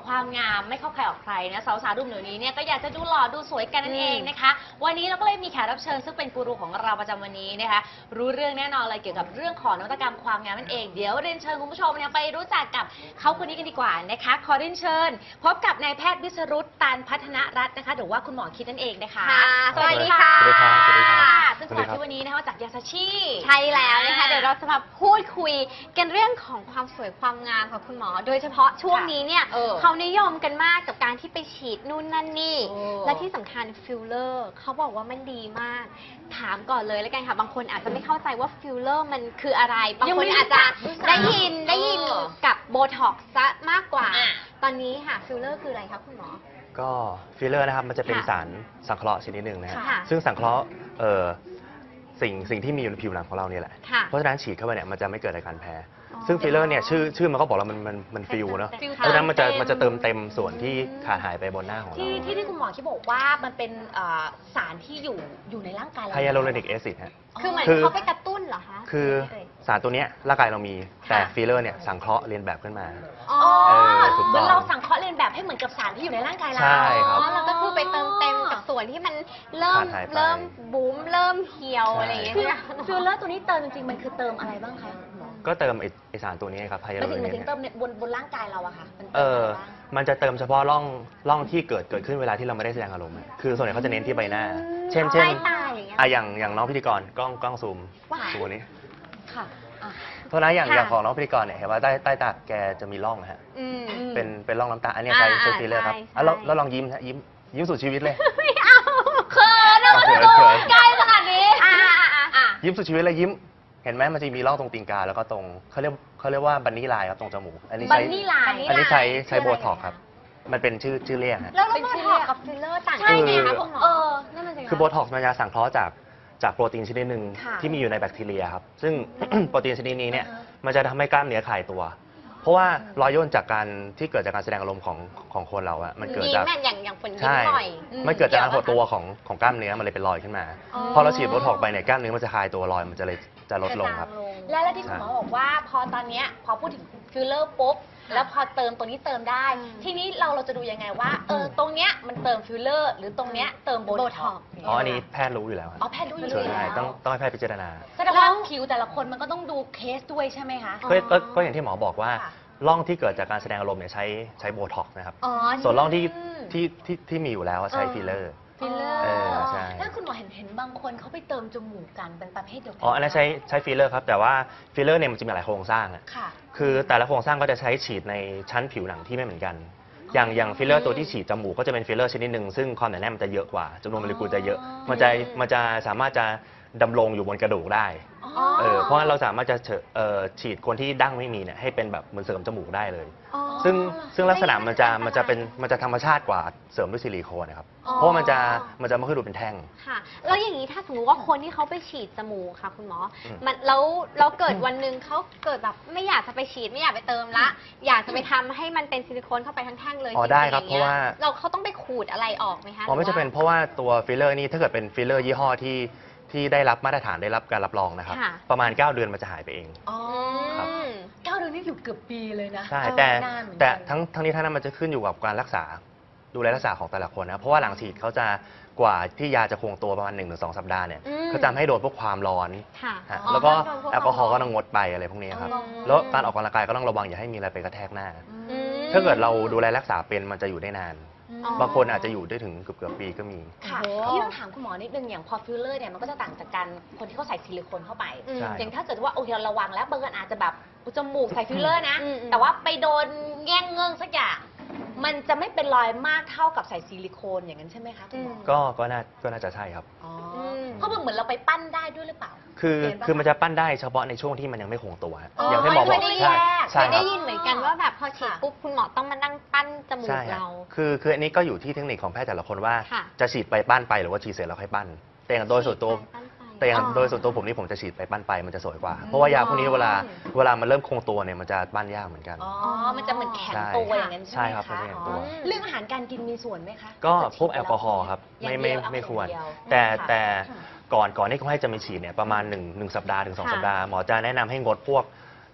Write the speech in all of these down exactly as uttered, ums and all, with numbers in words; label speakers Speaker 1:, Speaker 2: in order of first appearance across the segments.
Speaker 1: ความงามไม่เข้าใครออกใครนะสาวๆรุ่นเดี๋ยวนี้เนี่ยก็อยากจะดูหล่อดูสวยกันนั่นเองนะคะวันนี้เราก็เลยมีแขกรับเชิญซึ่งเป็นกูรูของเราประจำวันนี้นะคะรู้เรื่องแน่นอนเลยเกี่ยวกับเรื่องของนวัตกรรมความงามนั่นเองเดี๋ยวเรียนเชิญคุณผู้ชมเนี่ยไปรู้จักกับเขาคนนี้กันดีกว่านะคะขอเรียนเชิญพบกับนายแพทย์วิศรุตตันพัฒนรัตน์นะคะหรือว่าคุณหมอคิดนั่นเองนะคะสวัสดีค่ะ
Speaker 2: สวัสดีครับสวัสดีครับ
Speaker 1: ซึ่งคุณหมอคิดวันนี้นะคะจากยาซาชิ
Speaker 3: ใช่แล้วนะคะเดี๋ยวเราจะมาพูดคุยกันเรื่องของความสวยความงามของคุณหมอ โดยเฉพาะช่วงนี้เนี่ย
Speaker 1: เออ
Speaker 3: เขานิยมกันมากกับการที่ไปฉีดนู่นนั่นนี่
Speaker 1: โอ้
Speaker 3: และที่สำคัญฟิลเลอร์เขาบอกว่ามันดีมาก ถามก่อนเลยแล้วกันค่ะบางคนอาจจะไม่เข้าใจว่าฟิลเลอร์มันคืออะไรบางคนอาจจะได้ยินได้ยินกับโบท็อกซ์ซะมากกว่า ตอนนี้ค่ะฟิลเลอร์คืออะไรคะคุณหมอ
Speaker 2: ก็ฟิลเลอร์นะครับมันจะเป็น
Speaker 3: ค่ะ
Speaker 2: สารสังเคราะห์ชนิดหนึ่งนะฮะ
Speaker 3: ค่ะ
Speaker 2: ซึ่งสังเคราะห์เอ่อสิ่งสิ่งที่มีอยู่ในผิวหนังของเราเนี่ยแหละ
Speaker 3: ค่ะ
Speaker 2: เพราะฉะนั้นฉีดเข้าไปเนี่ยมันจะไม่เกิดอาการแพ้
Speaker 3: อ๋อ
Speaker 2: ซึ่งฟิลเลอร์เนี่ยชื่อชื่อมันก็บอกแล้วมันมันมันฟิลเนาะ
Speaker 3: ฟิล
Speaker 2: เพราะฉะนั้นมันจะ
Speaker 1: เติม
Speaker 2: มันจะเติมเต็มส่วนที่ขาดหายไปบนหน้าของเรา
Speaker 1: ที่ที่ที่คุณหมอคิดบอกว่ามันเป็นเอ่อสารที่อยู่อยู่ในร่างกายเรา
Speaker 2: ไฮยาลูโรนิกแอซิดฮะ
Speaker 3: คือเหมือน
Speaker 2: คือ
Speaker 3: เขาไปกระตุ้นเหรอคะ
Speaker 2: คือ
Speaker 3: เอ่ย
Speaker 2: สารตัวเนี้ยร่างกายเรามี
Speaker 3: ค่ะ
Speaker 2: แต่ฟิลเลอร์เนี่ยสังเคราะห์เรียนแบบขึ้นมา
Speaker 3: อ๋อ
Speaker 1: อ๋อ
Speaker 2: เออถูก
Speaker 1: เห
Speaker 2: ต้
Speaker 1: มื
Speaker 2: อง
Speaker 1: อนเราสังเคราะห์เรียนแบบให้เหมือนกับสารที่อยู่ในร่างกายเรา
Speaker 2: ใช่ครับ
Speaker 3: อ๋อเราก็คือไปเติมเต็มกับส่วนที่มันเริ่ม
Speaker 2: ขาดหายไป
Speaker 3: เริ่มบูมเริ่มเหี่ยว
Speaker 2: ใช่
Speaker 3: อะไรอย่างเงี้ย
Speaker 1: คือ
Speaker 3: ใช่ไหม
Speaker 1: ฟิลเลอร์ตัวนี้เติมจริงๆมันคือเติมอะไรบ้างคะคุณหมอ
Speaker 2: ก็เติมไอ้ไอสารตัวนี้ครับไฮยา
Speaker 1: หมาย
Speaker 2: ลู
Speaker 1: ถึ
Speaker 2: โรง
Speaker 1: ห
Speaker 2: นิ
Speaker 1: มาย
Speaker 2: ก
Speaker 1: ถึง
Speaker 2: เนี่ย
Speaker 1: เติมในบนบนร่างกายเราอะค่ะมัน
Speaker 2: เอ
Speaker 1: เติม
Speaker 2: อ
Speaker 1: อะไรบ้าง
Speaker 2: มันจะเติมเฉพาะร่องร่องที่เกิดเกิดขึ้นเวลาที่เราไม่ได้แสดงอารมณ์อะคือส่วนใหญ่เขาจะเน้นที่ใบหน้า เช่น เช่น
Speaker 3: ใต้ตาอย่างเงี้ย
Speaker 2: อ่ะอย่างอย่างน้องพิธีกรกล้องกล้องซูม
Speaker 3: ว่า
Speaker 2: ตัวนี้
Speaker 1: ค่ะอ่ะ
Speaker 2: เพราะฉะนั้นอย่าง
Speaker 3: ค่ะ
Speaker 2: อย่างของน้องพิธีกรเนี่ยเห็นว่าใต้ใต้ตาแกจะมีร่องนะฮะ
Speaker 3: อืม
Speaker 2: เป็นเป็นร่องน้ำตา อันนี้ใช้
Speaker 3: อ่า
Speaker 2: ใช้ฟิลเลอร์ครับ
Speaker 3: ใช่
Speaker 2: อ่ะแล้ว
Speaker 3: ใช่
Speaker 2: แล้วลองยิ้มฮะยิ้มยิ้มสุดชีวิตเลย
Speaker 3: ไม่เอาเขินอะ
Speaker 2: เอาเขิน
Speaker 3: ดู
Speaker 2: เขิน
Speaker 3: ใกล้ขนาดนี้อ่าอ่าอ่าอ่า
Speaker 2: ยิ้มสุดชีวิตเลยยิ้ม เห็นไหมมันจะมีร่องตรงตีนกาแล้วก็ตรงเขาเรียกเขาเรียกว่าบันนี่ไลน์ครับตรงจมูกอันนี้
Speaker 1: บัน
Speaker 2: ใช้
Speaker 1: นี่ไลน์
Speaker 2: อันนี้ใช้ใช้
Speaker 1: คือ
Speaker 2: โบ
Speaker 1: อะไร
Speaker 2: ท็อกซ์ครับ มันเป็นชื่อชื่อเรียกฮะ
Speaker 3: แล้วเรา
Speaker 1: เป็น
Speaker 3: โบ
Speaker 1: ชื่อ
Speaker 3: ท็อกซ์กับฟิลเลอร์ต่าง
Speaker 1: ใช่
Speaker 3: กัน
Speaker 1: ไง
Speaker 3: ยังไง
Speaker 1: คะ
Speaker 3: คะคุณหมอ
Speaker 1: เออนั่นมันสิ
Speaker 2: คือโบท็อกซ์มันจะสังเคราะห์จากจากโปรตีนชนิดหนึ่ง
Speaker 1: ค่ะ
Speaker 2: ที่มีอยู่ในแบคทีเรียครับ ซึ่ง โปรตีนชนิดนี้เนี่ย
Speaker 1: อ่าฮะ
Speaker 2: มันจะทำให้กล้ามเนื้อคลายตัว เพราะว่ารอยย่นจากการที่เกิดจากการแสดงอารมณ์ของของคนเราอะมันเกิด
Speaker 3: ยิ้
Speaker 2: จาก
Speaker 3: มอะอย่างอย่างฝนยิ้ม
Speaker 2: ใช่
Speaker 3: หน่อย
Speaker 2: มันเกิดจากการหดตัวของของกล้ามเนื้อมันเลยเป็นรอยขึ้นมา
Speaker 3: อ๋อ
Speaker 2: พอเราฉีดโบท็อกซ์ไปเนี่ยกล้ามเนื้อมันจะคลายตัวรอยมันจะเลยจะลดลงครับ
Speaker 1: และแล้วที่คุณหมอบอกว่าพอตอนเนี้ยพอพูดถึงฟิลเลอร์ปุ๊บแล้วพอเติมตัวนี้เติมได้
Speaker 3: อืม
Speaker 1: ทีนี้เราเราจะดูยังไงว่าเออตรงเนี้ยมันเติมฟิลเลอร์หรือตรงเนี้ยเติมโบ
Speaker 3: โบ
Speaker 1: ท็
Speaker 3: ท็
Speaker 1: อ
Speaker 3: อก ซ์
Speaker 2: อ๋ออันนี้แพทย์รู้อยู่แล้ว
Speaker 1: อ๋อแพทย์รู้อยู่
Speaker 2: ใช่
Speaker 1: แล้ว
Speaker 2: ต้องต้องให้แพทย์พิจารณา
Speaker 1: แสดงว่าผิวแต่ละคนมันก็ต้องดูเคสด้วยใช่ไหมคะ
Speaker 2: ก็ก็ก็อย่างที่หมอบอกว่า
Speaker 1: ค่ะ
Speaker 2: ร่องที่เกิดจากการแสดงอารมณ์เนี่ยใช้ใช้โบท็อกซ์นะครับ
Speaker 3: อ๋อ
Speaker 2: ส่วนร่องที่
Speaker 1: อืม
Speaker 2: ที่ที่ที่มีอยู่แล้วอะใช้
Speaker 1: เออ
Speaker 2: ฟิลเลอร์
Speaker 1: ฟิลเลอร์
Speaker 2: เออใช่
Speaker 1: แล้วคุณหมอเห็นเห็นบางคนเขาไปเติมจมูกกันเป็นประเภทเดียวกั
Speaker 2: อ๋อ อันนั้นใช้ใช้ฟิลเลอร์ครับ แต่ว่าฟิลเลอร์เนี่ยมันจะมีหลายโครงสร้างอะ
Speaker 1: ค่ะ
Speaker 2: คือแต่ละโครงสร้างก็จะใช้ฉีดในชั้นผิวหนังที่ไม่เหมือนกัน อย่างอย่างฟิลเลอร์ตัวที่ฉีดจมูกก็จะเป็นฟิลเลอร์ชนิดหนึ่งซึ่งความหนาแน่นมันจะเยอะกว่าจำนวนโมเลกุลจะเยอะ มันจะมันจะสามารถจะดำรงอยู่บนกระดูกได้
Speaker 1: อ๋อ
Speaker 2: เออ เพราะฉะนั้นเราสามารถจะเฉเอ่อฉีดคนที่ดั้งไม่มีเนี่ยให้เป็นแบบเหมือนเสริมจมูกได้เลย
Speaker 3: อ๋อ
Speaker 2: ซึ่งซึ่งลักษณะมันจะมันจะเป็นมันจะธรรมชาติกว่าเสริมด้วยซิลิโคนนะครับ
Speaker 3: อ๋อ
Speaker 2: เพราะว่ามันจะมันจะไม่ค่อยดูเป็นแท่ง
Speaker 3: ค่ะ แล้วอย่างนี้ถ้าสมมุติว่าคนที่เขาไปฉีดจมูกค่ะคุณหมอ
Speaker 2: อืม
Speaker 3: มันแล้วเราเกิดวันหนึ่งเขาเกิดแบบไม่อยากจะไปฉีดไม่อยากไปเติมละ อยากจะไปทำให้มันเป็นซิลิโคนเข้าไปทั้งแท่งเลย
Speaker 2: อ๋อ
Speaker 3: จงๆ
Speaker 2: ได้ครับ
Speaker 3: อย่ง
Speaker 2: เพราะ
Speaker 3: งี้ย
Speaker 2: ว่า
Speaker 3: เราเขาต้องไปขูดอะไรออกไหมคะ
Speaker 2: อ๋อไม่
Speaker 3: หรื
Speaker 2: จะเป็นเพราะว่าตัวฟิลเลอร์นี่ถ้าเกิดเป็นฟิลเลอร์ยี่ห้อที่ที่ได้รับมาตรฐานได้รับการรับรองนะครับ
Speaker 3: ค่ะ
Speaker 2: ประมาณ เก้า เดือนมันจะหายไปเอง
Speaker 1: อ๋อ
Speaker 2: ครับ
Speaker 3: อืม
Speaker 1: เก้าเดือนนี่อยู่เกือบปีเลยนะ
Speaker 2: ใช่
Speaker 1: เออ
Speaker 2: แต่
Speaker 1: นานเหมือนกัน
Speaker 2: แต่ทั้งทั้งนี้ทั้งนั้นมันจะขึ้นอยู่กับการรักษาดูแลรักษาของแต่ละคนนะเพราะว่าหลังฉีดเขาจะกว่าที่ยาจะคงตัวประมาณหนึ่งถึงสองสัปดาห์เนี่ย
Speaker 3: อืม
Speaker 2: เขาจะให้โดนพวกความร้อน
Speaker 3: ค่ะ
Speaker 2: ฮะ
Speaker 1: อ๋อ
Speaker 2: แล้วก็
Speaker 3: โดนพวก
Speaker 2: แอลกอฮอล์
Speaker 3: ความร้
Speaker 2: ก็
Speaker 3: อน
Speaker 2: ต้องงดไปอะไรพวกนี้ครับ
Speaker 1: อ๋อ
Speaker 2: แล้วการออกกำลังกายก็ต้องระวังอย่าให้มีอะไรไปกระแทกหน้า
Speaker 3: อืม
Speaker 2: ถ้าเกิดเราดูแลรักษาเป็นมันจะอยู่ได้นาน
Speaker 3: อ๋อ
Speaker 2: บางคนอาจจะอยู่ได้ถึงเกือบเกือบปีก็มี
Speaker 1: ค่ะ
Speaker 3: โอ้โห
Speaker 1: ที่ต้องถามคุณหมอนิดนึงอย่างพอฟิลเลอร์เนี่ยมันก็จะต่างจากการคนที่เขาใส่ซิลิโคนเข้าไป
Speaker 3: อืม
Speaker 2: ใช่
Speaker 1: อย่างถ้าเกิดว่าโอเคเราระวังแล้วบางคนอาจจะแบบอุยจมูกใส่ฟิลเลอร์นะ
Speaker 3: อืมอืม
Speaker 1: แต่ว่าไปโดนแง่งเงื่งสักอย่างมันจะไม่เป็นรอยมากเท่ากับใส่ซิลิโคนอย่างนั้นใช่ไหมคะคุณหมอ
Speaker 2: ก็ก็น่าก็น่าจะใช่ครับ
Speaker 1: อ๋อ
Speaker 3: ม
Speaker 1: เพราะมันเหมือนเราไปปั้นได้ด้วยหรือเปล่า
Speaker 2: คือ
Speaker 1: เห็นปะ
Speaker 2: คือมันจะปั้นได้เฉพาะในช่วงที่มันยังไม่คงตัวฮะ
Speaker 1: อ๋อ
Speaker 2: อย่างที่หมอ
Speaker 1: ไม่
Speaker 2: บอก
Speaker 1: ได้แย
Speaker 2: ใช่
Speaker 1: ก
Speaker 2: ใช่
Speaker 3: เคย
Speaker 2: ค
Speaker 3: ได้
Speaker 2: รับ
Speaker 3: ยินเหมือนกันว่าแบบพอฉีด
Speaker 1: ค่ะ
Speaker 3: ปุ๊บคุณหมอต้องมานั่งปั้นจมูก
Speaker 2: ใช่ฮะ
Speaker 3: เรา
Speaker 2: คือคืออันนี้ก็อยู่ที่เทคนิคของแพทย์แต่ละคนว่า
Speaker 3: ค่ะ
Speaker 2: จะฉีดไปปั้นไปหรือว่าฉีดเสร็จแล้วค่อยปั้นแต่อย่างโดยส่วนตัว
Speaker 3: ปั้นไป
Speaker 2: แต่อย่าง
Speaker 1: อ๋อ
Speaker 2: โดยส่วนตัวผมนี่ผมจะฉีดไปปั้นไปมันจะสวยกว่า เพราะว่ายาพวกนี้เวลาเวลามันเริ่มคงตัวเนี่ยมันจะปั้นยากเหมือนกัน
Speaker 1: อ๋อ มันจะเหมือนแข็งตัวอย่างนั้นใช่
Speaker 2: ใช่
Speaker 1: ไหม
Speaker 2: ครับ
Speaker 1: คะ
Speaker 2: มันจะแข็งตัว
Speaker 1: อ๋อเรื่องอาหารการกินมีส่วนไหมคะ
Speaker 2: ก็
Speaker 1: ถ้าเด
Speaker 2: พวก
Speaker 1: ฉีด
Speaker 2: แอลกอฮอล์ครับ
Speaker 1: อย่า
Speaker 2: ไม่
Speaker 1: ง
Speaker 2: ไม่
Speaker 1: เดียว
Speaker 2: ไม่ควร
Speaker 1: เอาอย่างเดียว
Speaker 2: แต่
Speaker 1: ค่ะ
Speaker 2: แต่ก่อนก่อนที่เขาให้จะมีฉีดเนี่ยประมาณหนึ่งหนึ่งสัปดาห์ถึงสอง
Speaker 3: ค่ะ
Speaker 2: สัปดาห์หมอจะแนะนำให้งดพวก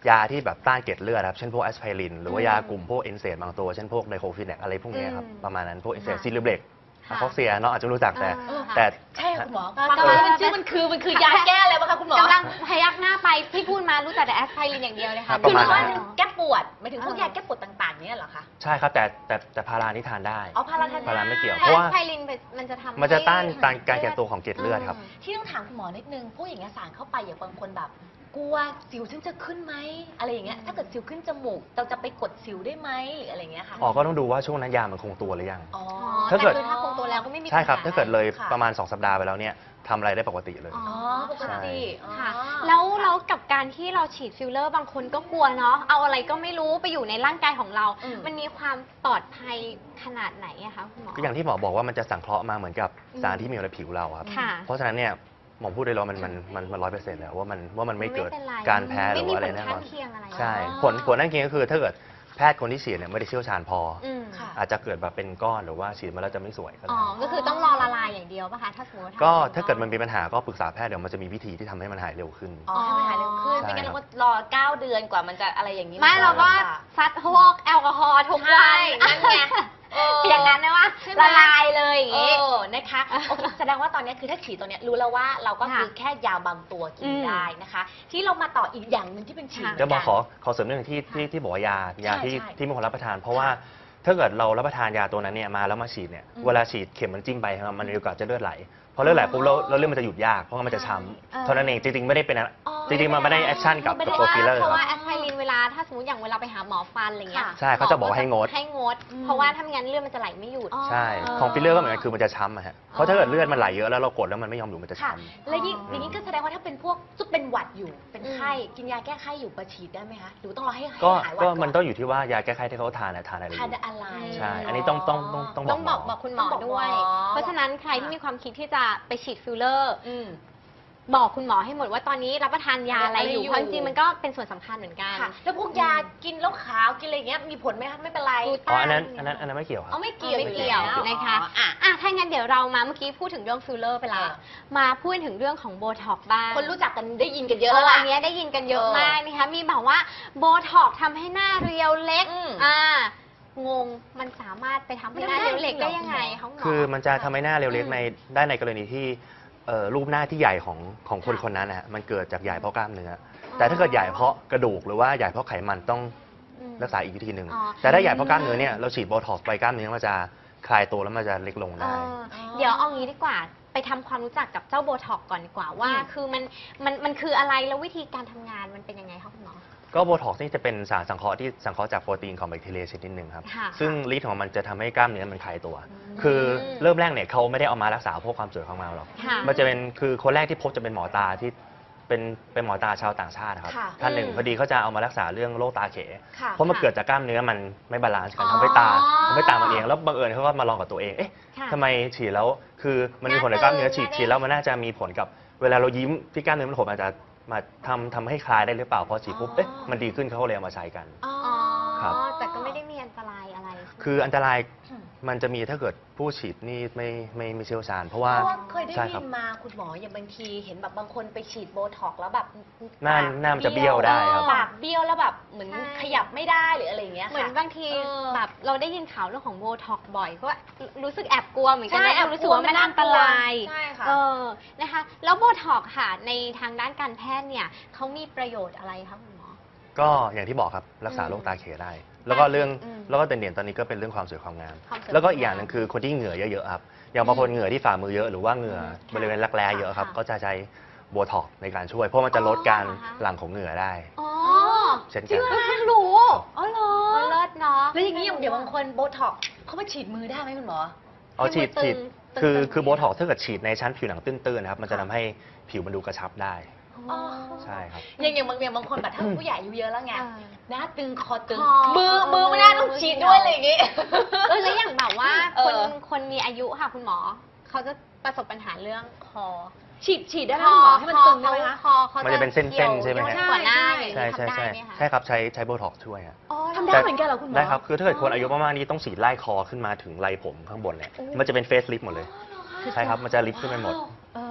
Speaker 2: ยาที่แบบต้านเกล็ดเลือดครับเช่นพวกแอสไพรินหรือว่ายากลุ่มพวกเอนเซมบางตัวเช่นพวกไดโคฟินแนกอะไรพวกนี้ครับ
Speaker 3: อืม
Speaker 2: ประมาณนั้นพวกเอนเซม
Speaker 3: ค่ะ
Speaker 2: ซิลิเบก
Speaker 3: ค่ะ
Speaker 2: อะคอกเซียเนาะอาจจะรู้จักแต่
Speaker 3: เออ
Speaker 2: แต่
Speaker 1: ใช่ค่ะคุณหมอ
Speaker 3: ก็
Speaker 1: ฟัง
Speaker 3: ก็
Speaker 1: แล้วมันชื่อมันคือมันคือยาแก้อะไรบ้างคะคุณหมอก
Speaker 3: ำลังพยักหน้าไปที่พูดมารู้จักแต่แอสไพรินอย่างเดียวเลยค่ะ
Speaker 2: ป
Speaker 1: คือ
Speaker 2: ระมาณ
Speaker 1: ว่า
Speaker 2: นั้น
Speaker 1: แก้ปวดหมายถึงพวกยาแก้ปวดต่างๆเนี่ยเหรอคะ
Speaker 2: ใช่ครับแต่แต่แต่พารานี่ทานได้
Speaker 1: อ๋อพาราทาน
Speaker 2: พาราไม่เกี่ยว
Speaker 3: แอ
Speaker 2: เพราะว่า
Speaker 3: สไพรินมันจะทำ
Speaker 2: มันจะต้าน
Speaker 3: ให้
Speaker 2: ต้านการแก่ตัวของเกล็ดเลือดครับ
Speaker 1: ที่ต้องถามคุณหมอนิดนึงพวกอย่างเงี้ยสารเข้าไปอย่างบางคนแบบกลัวสิวฉันจะขึ้นไหมอะไรอย่างเงี้ยถ้าเกิดสิวขึ้นจมูกเราจะไปกดสิวได้ไหมหรืออะไรอย่างเงี้ยค่ะ
Speaker 2: อ๋อก็ต้องดูว่าช่วงนั้นยามันคงตัวหรือยัง
Speaker 1: อ๋อ
Speaker 3: อ๋อ
Speaker 2: ถ้าเกิด
Speaker 3: แต่คือถ้าคงตัวแล้วก็ไม่มี
Speaker 2: ใช่ครับ
Speaker 3: ปัญห
Speaker 2: ถ้าเกิดเลย
Speaker 1: ค่ะ
Speaker 2: ประมาณสองสัปดาห์ไปแล้วเนี่ยทำอะไรได้ปกติเลย
Speaker 3: อ๋อ
Speaker 1: อ๋อปกติอ๋อ
Speaker 3: ค่ะ แล้วแล้วกับการที่เราฉีดฟิลเลอร์บางคนก็กลัวเนาะเอาอะไรก็ไม่รู้ไปอยู่ในร่างกายของเรา
Speaker 1: อืม
Speaker 3: มันมีความปลอดภัยขนาดไหนอะคะคุณหมอ
Speaker 2: ก็อย่างที่หมอบอกว่ามันจะสังเคราะห์มาเหมือนกับ
Speaker 3: อืม
Speaker 2: สารที่มีอยู่ในผิวเราครับ
Speaker 3: ค่ะ
Speaker 2: เพราะฉะนั้นเนี่ยหมอพูดได้เลยว่ามันมันมันมันร้อยเปอร์เซ็นต์แล้วว่ามันว่ามันไม่เกิด
Speaker 3: ป็นไร
Speaker 2: การแพ้หรือว่าอะไร
Speaker 3: ม่มีผล
Speaker 2: แน่น
Speaker 3: ข้า
Speaker 2: อง น
Speaker 3: เคียงอะไร
Speaker 2: ใช่
Speaker 1: อ๋อ
Speaker 2: ผลผลนั่นเองก็คือถ้าเกิดแพทย์คนที่ฉีดเนี่ยไม่ได้เชี่ยวชาญพออ
Speaker 3: อืม
Speaker 1: ค่ะ
Speaker 2: อาจจะเกิดแบบเป็นก้อนหรือว่าฉีดมาแล้วจะไม่สวยก็
Speaker 3: อ๋อ
Speaker 2: ได้
Speaker 3: ก็คือต้องรอละลายอย่างเดียวป่ะคะ ถ้าสมมติว่
Speaker 2: ก็
Speaker 3: ทำ
Speaker 2: ถ้าเกิดมันมีปัญหาก็ปรึกษาแพทย์เดี๋ยวมันจะมีวิธีที่ทำให้มันหายเร็วขึ้น
Speaker 1: อ๋อให้มันหายเร็วขึ้น
Speaker 2: ใช่
Speaker 1: ไม่งั้น
Speaker 2: ครับ
Speaker 1: เราก็รอเก้าเดือนกว่ามันจะอะไรอย่างนี้
Speaker 3: ไม่เราก็ซัดพวกแอลกอฮอล์ทุกวัน
Speaker 1: นั่นไงเออ
Speaker 3: อย่างนั้นนะว่า
Speaker 1: ใช่ไหม
Speaker 3: ละลายเลยอย่าง
Speaker 1: เอ
Speaker 3: งี้
Speaker 1: อนะคะโอเคแสดงว่าตอนนี้คือถ้าฉีดตัวเนี้ยรู้แล้วว่าเราก็คือ
Speaker 3: ค่ะ
Speaker 1: แค่ยาบางตัวกิน
Speaker 3: อืม
Speaker 1: ได้นะคะ ที่เรามาต่ออีกอย่างหนึ่งที่เป็นฉีด
Speaker 3: ค่ะ
Speaker 1: เหมื
Speaker 2: เดี๋ยว
Speaker 1: น
Speaker 2: หม
Speaker 1: กั
Speaker 2: อน ขอขอเสริมเรื่องที่ที่ที่บอกว่ายายาที่
Speaker 1: ใช่
Speaker 2: ที่ไม่ควรรับประทาน เพราะว่าถ้าเกิดเรารับประทานยาตัวนั้นเนี่ยมาแล้วมาฉีดเนี่ย
Speaker 1: อืม
Speaker 2: เวลาฉีดเข็มมันจิ้มไปครับมันมีโอกาสจะเลือดไหลพอเลือดไหลปุ๊บแล้วแล้วเลือดมันจะหยุดยากเพราะว่ามันจะช้
Speaker 3: เออ
Speaker 2: ำเท่านั้นเองจริงๆไม่ได้เป็นอะ
Speaker 1: อ๋อ
Speaker 2: จริงๆมันไม่ได้แอคชั่นกับ
Speaker 3: ไม่
Speaker 2: กับ
Speaker 3: ได้
Speaker 2: ตัว
Speaker 3: ว่า
Speaker 2: ฟิลเลอร์
Speaker 3: เพราะ
Speaker 2: ค
Speaker 3: ว่า
Speaker 2: รับ
Speaker 3: แอสไพรินเวลาถ้าสมมติอย่างเวลาไปหาหมอฟันอะไรเงี้ย
Speaker 1: ค่ะ
Speaker 2: ใช่เขาจะบอกว่าให้งด
Speaker 3: ให้งด
Speaker 1: อืม
Speaker 3: เพราะว่าถ้าไม่งั้นเลือดมันจะไหลไม่หยุด
Speaker 1: อ๋อ
Speaker 2: ใช่ของฟิลเลอร์ก็เหมือนกันคือมันจะช้ำอะฮะเพราะถ้าเกิดเลือดมันไหลเยอะแล้วเรากดแล้วมันไม่ยอมหยุดมันจะ
Speaker 1: ค่ะ
Speaker 2: ช้ำ
Speaker 1: แล้วยิ่ง
Speaker 3: อ๋อ
Speaker 1: อ
Speaker 3: อย่าง
Speaker 1: นี้ก็แสดงว่าถ้าเป็นพวกซุปเป็นหวัดอยู่เป็นไข้กินยาแก้ไข้อยู่ประฉีดได้ไหมคะหรือต้องรอให้ให้
Speaker 2: ก็
Speaker 1: หายหวัด
Speaker 2: ก็
Speaker 1: ก่อน
Speaker 2: มันต้องอยู่ที่ว่ายาแก้ไขที่เขาทานอะทานอะไรอ
Speaker 1: ทาน
Speaker 2: ยู่
Speaker 1: อะไร
Speaker 2: ใช่อันนี้ต้องต้องต้องต้อง
Speaker 3: ต้องบอกบอกคุณหมอด้วย เพราะฉะนั้นใครที่มีความคิดที่จะไปฉีดฟิลเลอร์
Speaker 1: อืม
Speaker 3: บอกคุณหมอให้หมดว่าตอนนี้รับประทานยาอะไรอยู่
Speaker 1: อะไรอยู่
Speaker 3: เพราะจริงๆมันก็เป็นส่วนสำคัญเหมือนกัน
Speaker 1: ค่ะ แล้วพวกยากินแล้วขาวกินอะไรอย่างเงี้ยมีผลไหมคะไม่เป็นไร
Speaker 3: กลู
Speaker 2: อ๋อ
Speaker 3: ต้า
Speaker 2: อันนั้นอันนั้นอันนั้นไม่เกี่ยวครับ
Speaker 1: เอาไม่เกี่ยว
Speaker 3: ไม่เกี่ยว
Speaker 1: อแล้
Speaker 3: นะคะ
Speaker 1: อ๋ออ่ะ
Speaker 3: อ่ะถ้างั้นเดี๋ยวเรามาเมื่อกี้พูดถึงเรื่องฟิลเลอร์ไปแล้ว
Speaker 1: อ่ะ
Speaker 3: มาพูดถึงเรื่องของโบท็อกบ้าง
Speaker 1: คนรู้จักกันได้ยินกันเยอะ
Speaker 3: เอ
Speaker 1: แล้ว
Speaker 3: อ
Speaker 1: ล่ะ
Speaker 3: อันเนี้ยได้ยินกันเยอะ
Speaker 1: เออ
Speaker 3: มากนะคะมีแบบว่าโบท็อกทำให้หน้าเรียวเล็ก
Speaker 1: อืม
Speaker 3: อ่างงมันสามารถไปทำให้หน้าเรียวเล็กได้ยังไง
Speaker 1: มันทำได้จริงเหรอ
Speaker 3: คะณหมอ
Speaker 2: คือมันจะทำให้หน้าเรียวเล็ก
Speaker 3: อืม
Speaker 2: ในได้ในกรณีที่เอ่อรูปหน้าที่ใหญ่ของของคน
Speaker 3: ค่ะ
Speaker 2: คนนั้นนะฮะมันเกิดจากใหญ่เพราะกล้ามเนื้ออแต่ถ้าเกิดใหญ่เพราะกระดูกหรือว่าใหญ่เพราะไขมันต้อง
Speaker 3: อืม
Speaker 2: รักษาอีกวิธีหนึ่ง
Speaker 3: อ๋อ
Speaker 2: แต่ถ้าใหญ่เพราะกล้ามเนื้อเนี่ยเราฉีดโบท็อกซ์ไปกล้ามเนื้อมันจะคลายตัวแล้วมันจะเล็กลง
Speaker 3: เอ
Speaker 2: ได้
Speaker 3: อเดี๋ยวเอางี้ดีกว่าไปทำความรู้จักกับเจ้าโบท็อกก่อนดีกว่าว่า
Speaker 1: อืม
Speaker 3: คือมันมันมันคืออะไรแล้ววิธีการทำงานมันเป็นยังไงคะคุณหมอ
Speaker 2: ก็โบท็อกซ์นี่จะเป็นสารสังเคราะห์ที่สังเคราะห์จากโปรตีนของแบคทีเรียชนิดหนึ่งครับ
Speaker 3: ค่ะ
Speaker 2: ซึ่งฤทธิ์ของมันจะทำให้กล้ามเนื้อมันคลายตัว คือเริ่มแรกเนี่ยเขาไม่ได้เอามารักษาพวกความสวยของเราหรอก
Speaker 3: ค่ะ
Speaker 2: มันจะเป็นคือคนแรกที่พบจะเป็นหมอตาที่เป็นเป็นหมอตาชาวต่างชาติครับ
Speaker 1: ค่ะ
Speaker 2: ท่านหนึ่ง
Speaker 3: อืม
Speaker 2: พอดีเขาจะเอามารักษาเรื่องโรคตาเข
Speaker 1: ค่ะ
Speaker 2: เพราะมันเกิดจากกล้ามเนื้อมันไม่บาลานซ์กัน
Speaker 1: อ๋อ
Speaker 2: ทำให้ตาทำให้ตามันเองแล้วบังเอิญเขาก็มาลองกับตัวเองเอ๊ะ
Speaker 3: ค่ะ
Speaker 2: ทำไมฉีดแล้วคือมันมีผลกับกล้ามเนื้อฉีด
Speaker 3: หน้าตึง
Speaker 2: ฉีดแล้วมันน่าจะมีผลกับเวลาเรายิ้มที่กล้ามเนื้อมันหดอาจจะมาทำทำให้คลายได้หรือเปล่าพอฉีดปุ๊บเอ๊ะมันดีขึ้นเขาก็เลยเอามาใช้กัน
Speaker 1: อ๋อ
Speaker 3: อ๋อ
Speaker 2: ครับ
Speaker 3: แต่ก็ไม่ได้มีอันตรายอะไรใช่ไหม
Speaker 2: คืออันตราย
Speaker 1: อืม
Speaker 2: มันจะมีถ้าเกิดผู้ฉีดนี่ไม่ไม่ไม่เชี่ยวชาญ เพราะว่า
Speaker 1: เพราะว่าเคยได้
Speaker 2: ใช่
Speaker 1: ยิ
Speaker 2: ครับ
Speaker 1: นมาคุณหมออย่างบางทีเห็นแบบบางคนไปฉีดโบท็อกซ์แล้วแบบ
Speaker 2: หน้า
Speaker 1: ปก
Speaker 2: หน้ามันจะเบี้ยวได้ครับ
Speaker 1: ปากเบี้ยวแล้วแบบเหมือน
Speaker 3: ใช่
Speaker 1: ขยับไม่ได้หรืออะไรอย่างเงี้ยค่ะ
Speaker 3: เหมือนบางที
Speaker 1: เออ
Speaker 3: แบบเราได้ยินข่าวเรื่องของโบท็อกบ่อยก็รู้สึกแอบกลัวเหมือนกัน
Speaker 1: ใช่
Speaker 3: นะ
Speaker 1: แอบ
Speaker 3: รู้สึกว่ามันอันตราย
Speaker 1: ใช่ค่ะ
Speaker 3: เออนะคะแล้วโบท็อกค่ะในทางด้านการแพทย์เนี่ยเขามีประโยชน์อะไรคะคุณหมอ
Speaker 2: ก็อย่างที่บอกครับรักษา
Speaker 3: อืม
Speaker 2: โรคตาเขได้ แล้วก็เรื่อง
Speaker 3: อืม
Speaker 2: แล้วก็เด่นๆตอนนี้ก็เป็นเรื่องความสวยความงาม
Speaker 3: ความสวย
Speaker 2: แล้วก็
Speaker 3: ความ
Speaker 2: อีกอย่างหนึ่งคือคนที่เหงื่อเยอะๆครับอย่างบางคนเหงื่อที่ฝ่ามือเยอะหรือว่าเหงื่อ
Speaker 3: ค่ะ
Speaker 2: บริเวณรักแร้เยอะครับ
Speaker 3: ค่ะ
Speaker 2: ก็จะใช้โบท็อกซ์ในการช่วย เพราะมันจะลดการ
Speaker 3: อ๋อเหรอคะ
Speaker 2: หลั่งของเหงื่อได้
Speaker 3: อ๋อ
Speaker 2: เช่น
Speaker 3: จริ
Speaker 2: กั
Speaker 3: ง
Speaker 2: น
Speaker 3: เหรอเพิ่งรู้
Speaker 1: อ๋อเหรอ
Speaker 3: เออเลิศเนาะ
Speaker 1: แล้วอย่างนี้อย่างเดี๋ยวบางคนโบท็อกซ์เขามาฉีดมือได้ไหมคุณหมอ
Speaker 2: เอาฉีด
Speaker 3: ให้มือตึ
Speaker 2: ฉีด
Speaker 3: ง
Speaker 2: คือ
Speaker 3: ตึงๆ
Speaker 2: คือโบท็อกซ์ถ้าเกิดฉีดในชั้นผิวหนังตื้นๆนะครับมันจะทำให้ผิวมันดูกระชับได้
Speaker 3: อ๋อ
Speaker 2: ใช่ครับ
Speaker 1: อย่างอย่างบางอย่างบางคนแบบถ้าผู้ใหญ่อายุเยอะแล้วไง
Speaker 3: เออ
Speaker 1: หน้าตึงคอตึง
Speaker 3: คอ
Speaker 1: มือมือไม่น่าต้องฉีดด้วยอะไรอย่างงี้
Speaker 3: เออแล้วอย่างแบบว่า
Speaker 1: เอ
Speaker 3: คน
Speaker 1: อ
Speaker 3: คนมีอายุค่ะคุณหมอ เขาจะประสบปัญหาเรื่องคอ
Speaker 1: ฉีดฉีดได้ไหมคุณหมอให้มันตึงได้ไหมคะ
Speaker 3: คอเขา
Speaker 2: มันจะเป็นเส้นๆใช่ไหมฮะ
Speaker 3: กว่าหน้าอย่าง
Speaker 2: ใช่
Speaker 3: นี้
Speaker 2: ใช่
Speaker 3: ทำได้
Speaker 2: ใช่
Speaker 3: ไหมคะ
Speaker 2: ใช่ครับใช้ใช้โบท็อกซ์ช่วยอะ
Speaker 3: อ๋อ
Speaker 1: ทำได้เหมือนกันเหรอคุณหมอ
Speaker 2: ได้ครับ คือถ้าเกิดคนอายุมากๆนี่ต้องฉีดไล่คอขึ้นมาถึงไหล่ผมข้างบนเนี่ย
Speaker 3: โอ้
Speaker 2: มันจะเป็นเฟซลิฟต์หมดเลย ใช่ครับ มันจะลิฟต์ขึ้นไปหมด
Speaker 3: เออ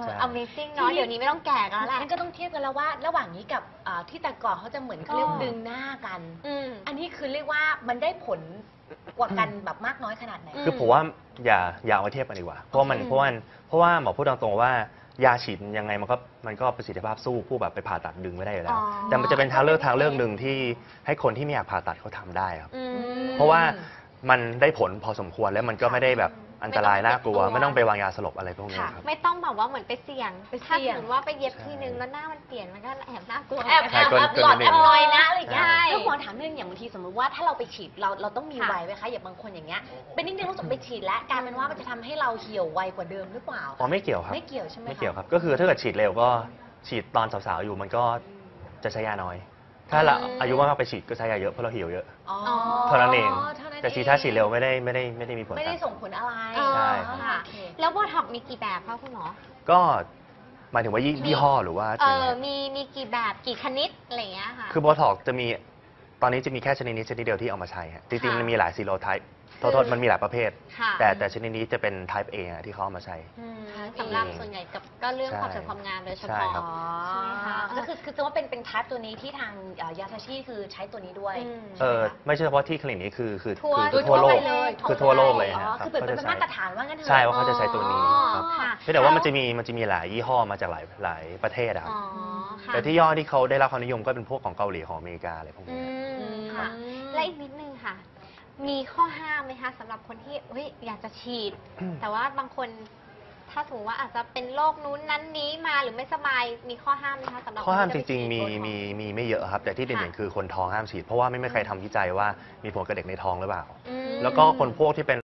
Speaker 2: ใช่
Speaker 3: Amazing เนาะเดี๋ยวนี้ไม่ต้องแก่กันแล้วแหละ
Speaker 1: งั้นก็ต้องเทียบกันแล้วว่า ระหว่างนี้กับอ่าที่แต่ก่อนเขาจะเหมือนเขาเรียกว่าดึงหน้ากัน
Speaker 3: อืม
Speaker 1: อันนี้คือเรียกว่ามันได้ผลกว่ากันแบบมากน้อยขนาดไหน
Speaker 3: อื
Speaker 2: คือผมว่าอย่าอย่าเอามาเทียบกันดีกว่า เพราะว่ามัน
Speaker 3: อืม
Speaker 2: เพราะว่าเพราะว่าหมอพูดตรงๆว่ายาฉีดยังไงมันก็มันก็ประสิทธิภาพสู้ผู้แบบไปผ่าตัดดึงไม่ได้อยู่แล้ว
Speaker 3: อ๋อ
Speaker 2: แต่มันจะเป็นทางเลือกทางเลือกหนึ่งที่ให้คนที่ไม่อยากผ่าตัดเขาทำได้ครับ
Speaker 3: อืม
Speaker 2: เพราะว่ามันได้ผลพอสมควรแล้วมันก็ไม่ได้แบบอันตรายน่ากลัว
Speaker 1: ไม่ต้องไปเจ็บตัว
Speaker 2: ไม่ต้องไปวางยาสลบอะไรพวกนี้
Speaker 3: ค่ะ
Speaker 2: ครับ
Speaker 3: ไม่ต้องแบบว่าเหมือนไปเสี่ยง
Speaker 1: ไป
Speaker 3: ถ้า
Speaker 1: เสี่
Speaker 3: ส
Speaker 1: ยง
Speaker 3: มมติว่าไปเย็บ
Speaker 2: ใช่
Speaker 3: ทีนึงแล้วหน้ามันเปลี่ยนมันก็แอบน่ากลัว
Speaker 1: แอบ
Speaker 3: เหมืน
Speaker 1: แอ
Speaker 3: กัน
Speaker 1: บ
Speaker 2: เกิน
Speaker 1: แอบ
Speaker 2: เกิน
Speaker 1: หลอด
Speaker 2: นิดนึ
Speaker 1: แอง บลอยนะอะไรอย่างเงี้ย
Speaker 3: ใช่
Speaker 1: แล้วหมอถามเรื่องอย่างบางทีสมมติว่าถ้าเราไปฉีดเราเราต้องมี
Speaker 3: ค่ะ
Speaker 1: ไวไหมคะอย่างบางคนอย่างเงี้ยเป็นนิดนึงรู้สึกไปฉีดแล้วกลายเป็นว่ามันจะทำให้เราเหี่ยวไวกว่าเดิมหรือเปล่า
Speaker 2: อ๋อไม่เกี่ยวครับ
Speaker 1: ไม่เกี่ยวใช่ไหมะ
Speaker 2: ไม่เกี่ยวครับ ก็คือถ้าเกิดฉีดเร็วก็ฉีดตอนสาวๆอยู่มันก็จะใช้ยาน้อย ถ้าเรา
Speaker 3: อืม
Speaker 2: อายุมากๆไปฉีดก็ใช้ยาเยอะเพราะเราเหี่ยวเยอะ
Speaker 1: อ๋อ
Speaker 2: เท่านั้นเอง
Speaker 1: เท่านั้น
Speaker 2: แต่ฉีดถ้าฉีดเร็วไม่ได้ไม่ได้ไม่ได้มีผล
Speaker 1: ไม่ได้
Speaker 2: ครับ
Speaker 1: ส่งผลอะไร
Speaker 3: เออ
Speaker 2: ใช่
Speaker 3: ค่ะ
Speaker 1: โอเค
Speaker 3: แล้วโบท็อกมีกี่แบบคะคุณหมอ
Speaker 2: ก็หมายถึงว่ายี่ยี่ห้อหรือว่า
Speaker 3: เอ
Speaker 2: ยัง
Speaker 3: อ
Speaker 2: ไง
Speaker 3: มีมีกี่แบบกี่ชนิดอะไรอย่างเงี้ยค่ะ
Speaker 2: คือโบท็อกจะมีตอนนี้จะมีแค่ชนิดนี้ชนิดเดียวที่เอามาใช้ฮะจริงๆ
Speaker 3: ค่ะ
Speaker 2: มันมีหลายซีโรไทป์โทษโทษมันมีหลายประเภท
Speaker 3: ค่ะ
Speaker 2: แต่แต่ชนิดนี้จะเป็น type A อะที่เขาเอามาใช้
Speaker 3: อืมสำหรับส่วนใหญ่กับก็เรื่อง
Speaker 2: ใช่
Speaker 3: ความสวยความงามโดยเฉ
Speaker 2: ใช่
Speaker 3: พาะ
Speaker 2: ครับ
Speaker 1: อ๋อ
Speaker 3: ใช่ไหมคะ
Speaker 1: ก็คือคือจะว่าเป็นเป็นทัสตัวนี้ที่ทางเอ่อยาทาชิคือใช้ตัวนี้ด้วย
Speaker 3: อืม
Speaker 2: เออไม่ใช่เฉพาะที่คลินิกนี้คือคือ
Speaker 3: ทั่ว
Speaker 2: คือทั่วโลก
Speaker 3: ไปเลย
Speaker 2: คือทั่วโลกเลย
Speaker 1: อ๋อ
Speaker 2: ฮะ
Speaker 1: คือเป็นเป็น
Speaker 2: ขจะ
Speaker 1: มา
Speaker 2: ใช้
Speaker 1: ตรฐานว่างั้นเถอะ
Speaker 2: ใช่ว่าเขาจะใช้ตัวนี้
Speaker 3: อ๋อ
Speaker 2: ครับ
Speaker 3: ค่ะ
Speaker 2: เพียงแต่ว่ามันจะมีมันจะมีหลายยี่ห้อมาจากหลายหลายประเทศอะครับ
Speaker 3: อ๋อค่ะ
Speaker 2: แต่ที่ยี่ห้อที่เขาได้รับความนิยมก็เป็นพวกของเกาหลีของอเมริกาอะไรพวก
Speaker 3: อื
Speaker 2: นี้
Speaker 3: มค่ะ และอีกนิดนึงค่ะ มีข้อห้ามไหมคะสำหรับคนที่เฮ้ยอยากจะฉีด แต่ว่าบางคนถ้าสมมติว่าอาจจะเป็นโรคนู้นนั้นนี้มาหรือไม่สบายมีข้อห้ามไหมคะสำหรับ
Speaker 2: ข้อห้าม
Speaker 3: คน
Speaker 2: จ
Speaker 3: ที่ะไป
Speaker 2: ริง ๆ มี
Speaker 3: ฉีดโบท็อกซ์
Speaker 2: มีมีไม่เยอะครับ แต่ที่เด่นๆคือคนท้องห้ามฉีด เพราะว่าไม่มีใครทำวิจัยว่ามีผลกับเด็กในท้องหรือเปล่า
Speaker 3: อืม
Speaker 2: แล้วก็คนพวกที่เป็น